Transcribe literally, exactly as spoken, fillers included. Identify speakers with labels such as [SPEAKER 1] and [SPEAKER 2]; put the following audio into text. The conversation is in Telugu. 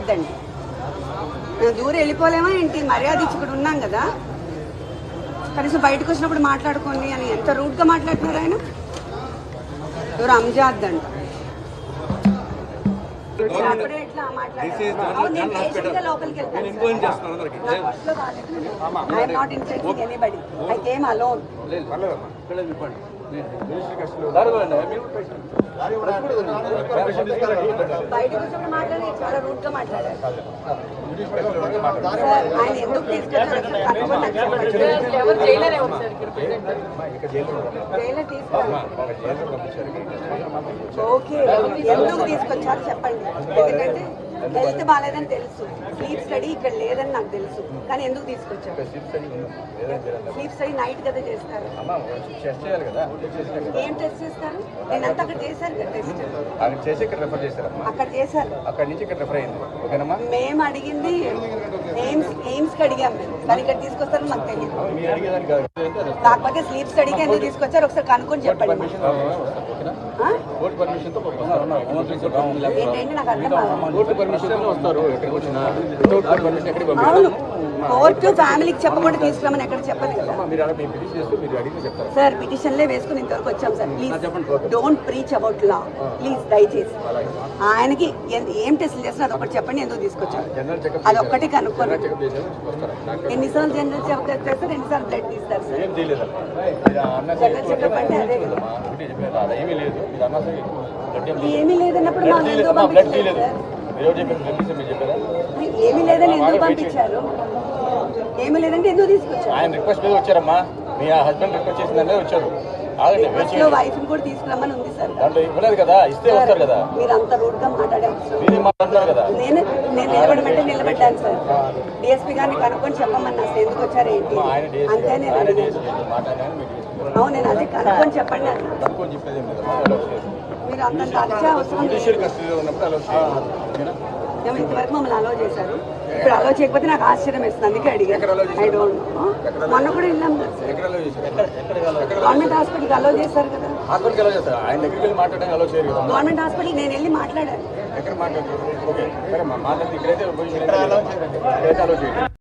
[SPEAKER 1] చేయొద్దండి. మేము దూరం వెళ్ళిపోలేమా ఏంటి? మర్యాద ఇచ్చి ఇక్కడ ఉన్నాం కదా, కనీసం బయటకు వచ్చినప్పుడు మాట్లాడుకోండి అని ఎంత రూడ్గా మాట్లాడుతున్నారు ఆయన. ఎవరు అంజాద్ అంట. అప్పుడే ఇట్లా మాట్లాడారు. నేను పేషెంట్గా లోపలికి వెళ్తాను. I'm not insulting anybody. I came alone. బయటకు వచ్చినప్పుడు మాట్లాడి చాలా రూడ్ గా మాట్లాడారు. ఆయన ఎందుకు తీసుకెళ్ళారు? ఓకే, ఎందుకు తీసుకొచ్చారు చెప్పండి. ఎందుకంటే హెల్త్ బాగాలేదని తెలుసు, స్లీప్ స్టడీ ఇక్కడ లేదని నాకు తెలుసు, కానీ ఎందుకు తీసుకొచ్చారు? స్లీప్ స్టడీ నైట్ కదా చేస్తారు. ఏం టెస్ట్ చేస్తారు? నేను అంతా అక్కడ చేశాను కదా టెస్ట్. అక్కడ చేశారు. మేము అడిగింది ఎయిమ్స్ ఎయిమ్స్ కి అడిగాం మేము, కానీ ఇక్కడ తీసుకొస్తారని మాకు తెలియదు. కాకపోతే స్లీప్ స్టడీకి ఎందుకు తీసుకొచ్చారు ఒకసారి కనుక్కొని చెప్పండి. ఏంటంటే నాకు అర్థం అవును, కోర్టు ఫ్యామిలీకి చెప్పకుండా తీసుకురామని ఎక్కడ చెప్పదు కదా సార్. పిటిషన్లే వేసుకుని ఇంతవరకు వచ్చాం sir. Please don't preach about law please, దయచేసి. ఆయనకి ఏం టెస్ట్లు చేస్తున్నారు అదొకటి చెప్పండి, ఎందుకు తీసుకొచ్చారు అదొక్కటి కనుక్కోండి. ఎన్నిసార్లు జనరల్ చెకప్ చేస్తారు, ఎన్నిసార్లు బ్లడ్ తీస్తారు సార్? జనరల్ చెకప్ అంటే అదే కదా. ఏమీ లేదన్నప్పుడు మాకు ఎందుకు పంపించారు సార్? ఏమీ లేదని ఎందుకు పంపించారు? ఏమీ లేదంటే ఎందుకు తీసుకొచ్చారు?
[SPEAKER 2] ఆయన రిక్వెస్ట్ మీద వచ్చారమ్మా, మీ హస్బెండ్ రిక్వెస్ట్ చేసిందనే వచ్చారు.
[SPEAKER 1] వైఫ్ ని కూడా తీసుకురమ్మని ఉంది సార్.
[SPEAKER 2] దాంట్లో ఇవ్వలేదు కదా, ఇస్తే వస్తారు కదా.
[SPEAKER 1] మీరు అంత రూడ్ గా మాట్లాడారు
[SPEAKER 2] కదా.
[SPEAKER 1] నేను నేను నిలబడమంటే నిలబెట్టాను సార్. డిఎస్పీ గారిని కనుక్కొని చెప్పమన్నా అసలు ఎందుకు వచ్చారు ఏంటి అంతే నేను అడిగాను. అవును, నేను అదే కనుక్కొని చెప్పండి అన్న. మీరు అంత అచ్చా అవసరం మేము ఇంతవరకు మమ్మల్ని అలో చేశారు, ఇప్పుడు అలో చేయకపోతే నాకు ఆశ్చర్యం వేస్తుంది, అందుకే అడిగాను. I don't know. మొన్న కూడా వెళ్ళాం కదా గవర్నమెంట్ హాస్పిటల్కి అలో చేశారు కదా. గవర్నమెంట్ హాస్పిటల్ నేను వెళ్ళి మాట్లాడాను.